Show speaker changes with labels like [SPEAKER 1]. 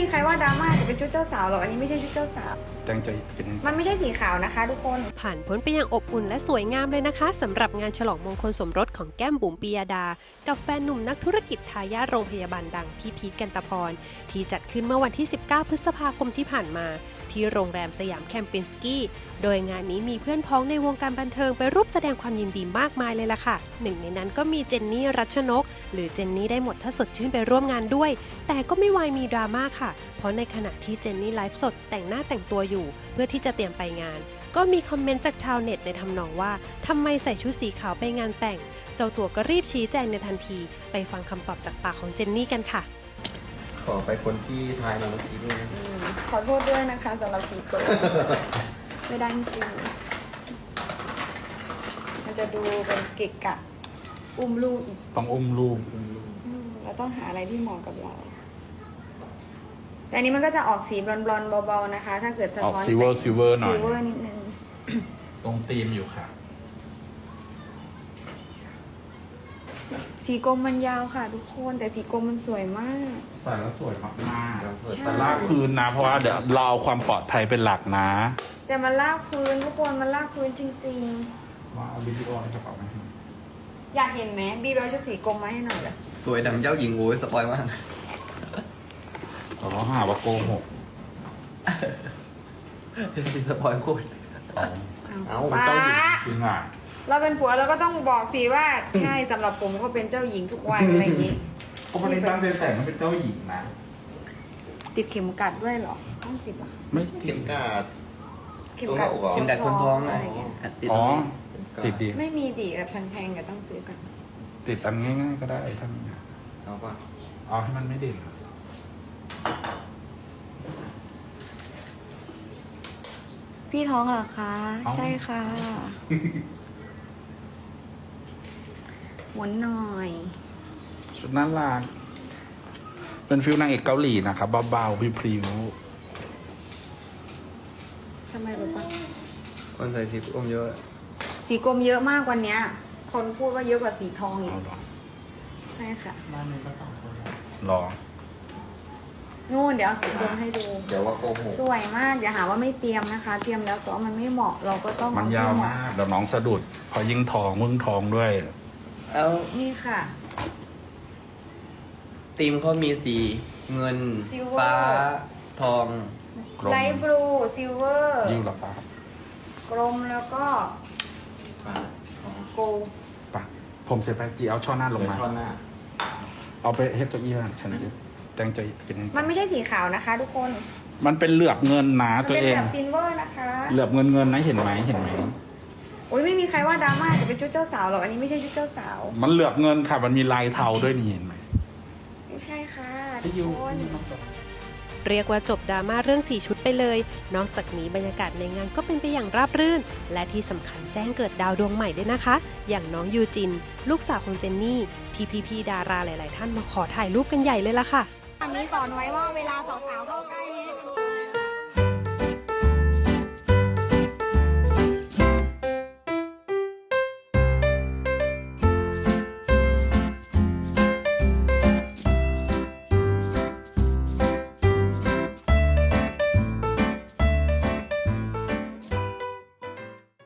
[SPEAKER 1] ใครว่าดราม่าจะเป็นชุดเจ้าสาวหรอกอันนี้ไม่ใช่ชุดเจ้าสาว
[SPEAKER 2] แต่งใจเป็น
[SPEAKER 1] มันไม่ใช่สีขาวนะคะทุกคน
[SPEAKER 3] ผ่านพ้นไปอย่างอบอุ่นและสวยงามเลยนะคะสำหรับงานฉลองมงคลสมรสของแก้มบุ๋มปิยดากับแฟนหนุ่มนักธุรกิจทายาทโรงพยาบาลดังพี่พีท กันตพรที่จัดขึ้นเมื่อวันที่ 19 พฤษภาคมที่ผ่านมาที่โรงแรมสยามแคมปินสกี้โดยงานนี้มีเพื่อนพ้องในวงการบันเทิงไปร่วมแสดงความยินดีมากมายเลยล่ะค่ะหนึ่งในนั้นก็มีเจนนี่รัชนกหรือเจนนี่ได้หมดถ้าสดชื่นไปร่วมงานด้วยแต่ก็ไม่วายมีดราม่าค่ะเพราะในขณะที่เจนนี่ไลฟ์สดแต่งหน้าแต่งตัวอยู่เพื่อที่จะเตรียมไปงานก็มีคอมเมนต์จากชาวเน็ตในทำนองว่าทำไมใส่ชุดสีขาวไปงานแต่งเจ้าตัวก็รีบชี้แจงในทันทีไปฟังคำตอบจากปากของเจนนี่กันค่ะ
[SPEAKER 4] ขอไปคนที่ทายมาเมื่อกี้ด้วยนะ
[SPEAKER 1] ขอโทษด้วยนะคะสำหรับสีโกลไม่ได้จริงมันจะดูเป็นเกะกะอุ้มลูกอีก
[SPEAKER 2] ต้องอุ้มลูก
[SPEAKER 1] เราต้องหาอะไรที่เหมาะกับเราแต่อันนี้มันก็จะออกสีบลอนๆเบาๆนะคะถ้าเกิดสะท้อน
[SPEAKER 2] ซิลเวอร์หน่อย
[SPEAKER 1] ซิลเวอร์นิดนึง
[SPEAKER 2] ตรงธีมอยู่ค่ะ
[SPEAKER 1] สีกรมมันยาวค่ะทุกคนแต่สีกรมมันสวยมาก
[SPEAKER 2] ใส่แล้วสวยมากๆแต่ลากพื้นนะเพราะว่าเดี๋ยวเราเอาความปลอดภัยเป็นหลักนะ
[SPEAKER 1] แต่มันลากพื้นทุกคนมันลากพื้นจริง
[SPEAKER 2] ว่าเอาวิดีโอในกระเป๋าไหม
[SPEAKER 1] อยากเห็นไหมบีบเอาชุดสีกรมมาให้หน่อยเลย
[SPEAKER 4] สวยดังเจ้าหญิงโอ้ยสปอยมาก
[SPEAKER 2] เขาหาว่าโกหก
[SPEAKER 4] สปอยโคตร
[SPEAKER 2] เอาเป็นเจ้าหญิงจริงอ่ะ
[SPEAKER 1] เราเป็นผัวเราก็ต้องบอกสิว่าใช่สำหรับผมเขาเป็นเจ้าหญิงทุกวันอะไรอย่างนี้
[SPEAKER 2] ก็คนนี้ตั้งใจแต่งมันเป็นเจ้าหญิงนะ
[SPEAKER 1] ติดเข็มกัดด้วยเหรอต้องติดหรอ
[SPEAKER 2] ไม่
[SPEAKER 4] เข็มกัด
[SPEAKER 1] เข็มกัด
[SPEAKER 4] คนท้อง
[SPEAKER 1] อะไรเงี้ย
[SPEAKER 2] อ๋อติดดี
[SPEAKER 1] ไม่มีดีแบบแพงๆก็ต้องซื้อกัน
[SPEAKER 2] ติดอันง่ายๆก็ได้ท่าน
[SPEAKER 4] เอาป่ะ
[SPEAKER 2] เอาให้มันไม่เด่น
[SPEAKER 1] พี่ท้องเหรอคะใช่ค่ะหมุนหน่อย
[SPEAKER 2] ชุดน่ารักเป็นฟิลนางเอกเกาหลีนะครับเบาๆพริ้ว
[SPEAKER 1] ทำไมรู้ปะ
[SPEAKER 4] คนใส่สีกรมเยอะ
[SPEAKER 1] สีกรมเยอะมากวันนี้คนพูดว่าเยอะกว่าสีทองอีกใช่ค่ะ
[SPEAKER 2] บ้านนี้ก็2 คนหรอ
[SPEAKER 1] นู่นเดี๋ยวเอาสีกรมให้ดู
[SPEAKER 4] เดี๋ยวว่าโกหก
[SPEAKER 1] สวยมากอย่าหาว่าไม่เตรียมนะคะเตรียมแล้วแต่ว่ามันไม่เหมาะเราก็ต้อง
[SPEAKER 2] มันยาวมากเดี๋ยวน้องสะดุดพอยิ่งทองมึงทองด้วย
[SPEAKER 4] แล้ว
[SPEAKER 1] นี่ค่ะ
[SPEAKER 4] ธีมเขามีสีเงินฟ้าทอง
[SPEAKER 1] ไลท์บลูซิลเวอร์
[SPEAKER 2] ยิ่งหรอฟ้
[SPEAKER 1] กลมแล้วก็โกล
[SPEAKER 2] ปะผมเสร็จไปจีเอาช่อหน้าลงมาเอาไปเฮดตัวอี้ล่ะฉันจะแต่งใจกิน
[SPEAKER 1] มันไม่ใช่สีขาวนะคะทุกคน
[SPEAKER 2] มันเป็นเหลือบเงินนะตัวเอง
[SPEAKER 1] เป็นเหลือบซิลเวอร์นะคะ
[SPEAKER 2] เหลือบเงินนะเห็นไหม
[SPEAKER 1] โอ้ยไม่มีใครว่าดราม่าจะเป็นชุดเจ้าสาวหรอกอันนี้ไม่ใช่ชุดเจ้าสาว
[SPEAKER 2] มันเหลือบเงินค่ะมันมีลายเทาด้วยนี่เห็นไหม
[SPEAKER 1] ไม่ใช่ค่ะทุกคน
[SPEAKER 3] เรียกว่าจบดราม่าเรื่อง4ชุดไปเลยนอกจากนี้บรรยากาศในงานก็เป็นไปอย่างราบรื่นและที่สำคัญแจ้งเกิดดาวดวงใหม่ด้วยนะคะอย่างน้องยูจินลูกสาวของเจนนี่ที่พี่ๆดาราหลายๆท่านมาขอถ่ายรูปกันใหญ่เลยล่ะค่ะ
[SPEAKER 1] มีสอนไว้ว่าเวลาสาวๆเข้าใกล้